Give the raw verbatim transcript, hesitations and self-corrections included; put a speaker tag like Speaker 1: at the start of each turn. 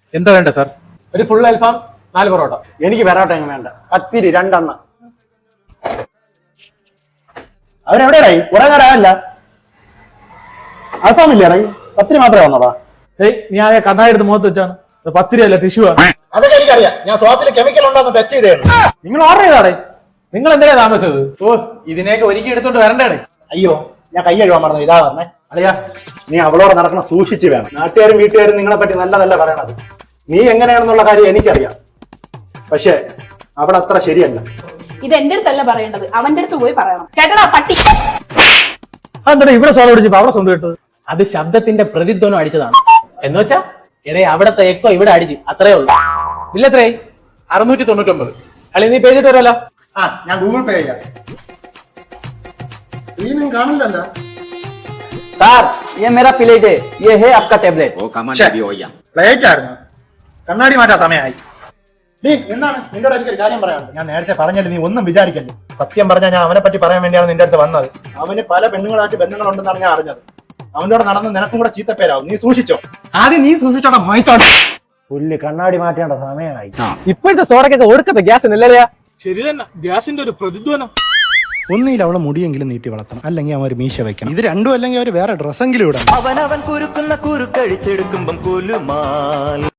Speaker 1: എന്താ വേണ്ട സാർ? ഒരു ഫുൾ അൽഫാം, നാല് പൊറോട്ട.
Speaker 2: എനിക്ക് പൊറോട്ട എങ്ങനെ വേണ്ട, പത്തിരി രണ്ടെണ്ണ. അവരെവിടെയായി? കുറെ നേരമല്ല. അൽഫാം ഇല്ലേ ഇറങ്ങി? പത്തിരി മാത്രമേ വന്നോടാ.
Speaker 1: ഏയ് നീ ആകെ കണ്ണാടി എടുത്ത് മുഖത്ത് വെച്ചാണ്. പത്തിരി അല്ല, ടിഷ്യൂ ആണ്.
Speaker 2: അതൊക്കെ എനിക്കറിയാം. ഞാൻ ശ്വാസത്തിൽ കെമിക്കൽ ഉണ്ടോന്ന് ടെസ്റ്റ് ചെയ്തേ.
Speaker 1: നിങ്ങൾ ഓർഡർ ചെയ്താടേ. നിങ്ങൾ എന്തിനാ താമസിച്ചത്? ഓ, ഇതിനെയൊക്കെ ഒരുക്കി എടുത്തോണ്ട് വരണ്ടേ?
Speaker 2: അയ്യോ, ഞാൻ കൈ കഴുകാൻ മറന്നു. ഇതാ പറഞ്ഞേ. അല്ലയാ, നീ അവളോട് നടക്കണം സൂക്ഷിച്ച് വേണം. നാട്ടുകാരും വീട്ടുകാരും നിങ്ങളെ പറ്റി നല്ലതല്ല പറയണത്. നീ എങ്ങനെയാണെന്നുള്ള കാര്യം എനിക്കറിയാം. പക്ഷെ അവിടെ അത്ര ശരിയല്ല.
Speaker 3: ഇത് എന്റെ അടുത്തല്ല പറയേണ്ടത്, അവന്റെ അടുത്ത് പോയി പറയണം. കേട്ടടാ പട്ടി.
Speaker 1: അതെന്താ ഇവിടെ സോളം അടിച്ചപ്പോ അവിടെ സ്വന്തം കേട്ടത്?
Speaker 4: അത് ശബ്ദത്തിന്റെ പ്രതിധ്വനം അടിച്ചതാണ്.
Speaker 1: എന്ന് വെച്ചാ
Speaker 4: ഇടയെ അവിടത്തെ എക്കോ ഇവിടെ അടിച്ചു, അത്രേ ഉള്ളൂ.
Speaker 1: ഇല്ലത്രേ അറുന്നൂറ്റി തൊണ്ണൂറ്റൊമ്പത്. അല്ലെ നീ പേ ചെയ്തിട്ട് വരുമല്ലോ.
Speaker 2: ആ, ഞാൻ ഗൂഗിൾ പേ ചെയ്യാം. സ്ക്രീനും കാണില്ലല്ലോ.
Speaker 4: സാർ, ये मेरा प्लेट है, ये है आपका टेबलेट.
Speaker 2: പ്ലേറ്റ് ആയിരുന്നു. കണ്ണാടി മാറ്റാൻ സമയമായി. നീ എന്താണ് നിന്നോട് എനിക്കൊരു കാര്യം പറയാനുണ്ട്. ഞാൻ നേരത്തെ പറഞ്ഞല്ലേ, നീ ഒന്നും വിചാരിക്കല്ലേ. സത്യം പറഞ്ഞാൽ ഞാൻ അവനെ പറ്റി പറയാൻ വേണ്ടിയാണ് നിന്റെ അടുത്ത് വന്നത്. അവന് പല പെണ്ണുങ്ങളായിട്ട് ബന്ധങ്ങളുണ്ടെന്നാണ് ഞാൻ അറിഞ്ഞത്. അവനോട് നടന്ന് നിനക്കും കൂടെ ചീത്തപ്പേരാവും. നീ സൂക്ഷിച്ചോ.
Speaker 1: ആദ്യം നീ സൂക്ഷിച്ചോടാ മൈത്തോട്ടെ.
Speaker 2: പുല്ല് കണ്ണാടി മാറ്റേണ്ട സമയമായി.
Speaker 1: ഇപ്പോഴത്തെ സോഡക്കൊക്കെ ഒടുക്കത്തെ ഗ്യാസ് ഇല്ലല്ലേ? ശരി തന്നെ, ഗ്യാസിന്റെ ഒരു പ്രതിധ്വനം.
Speaker 2: ഒന്നിയിൽ അവളെ മുടിയെങ്കിലും നീട്ടി വളർത്തണം, അല്ലെങ്കിൽ അവൻ ഒരു മീശ വെക്കണം. ഇത് രണ്ടും അല്ലെങ്കിൽ അവർ വേറെ ഡ്രസ്സെങ്കിലും ഇടണം.
Speaker 5: അവനവൻ കുരുക്കുന്ന കുരുക്കഴിച്ചെടുക്കുമ്പം കുലുമാൽ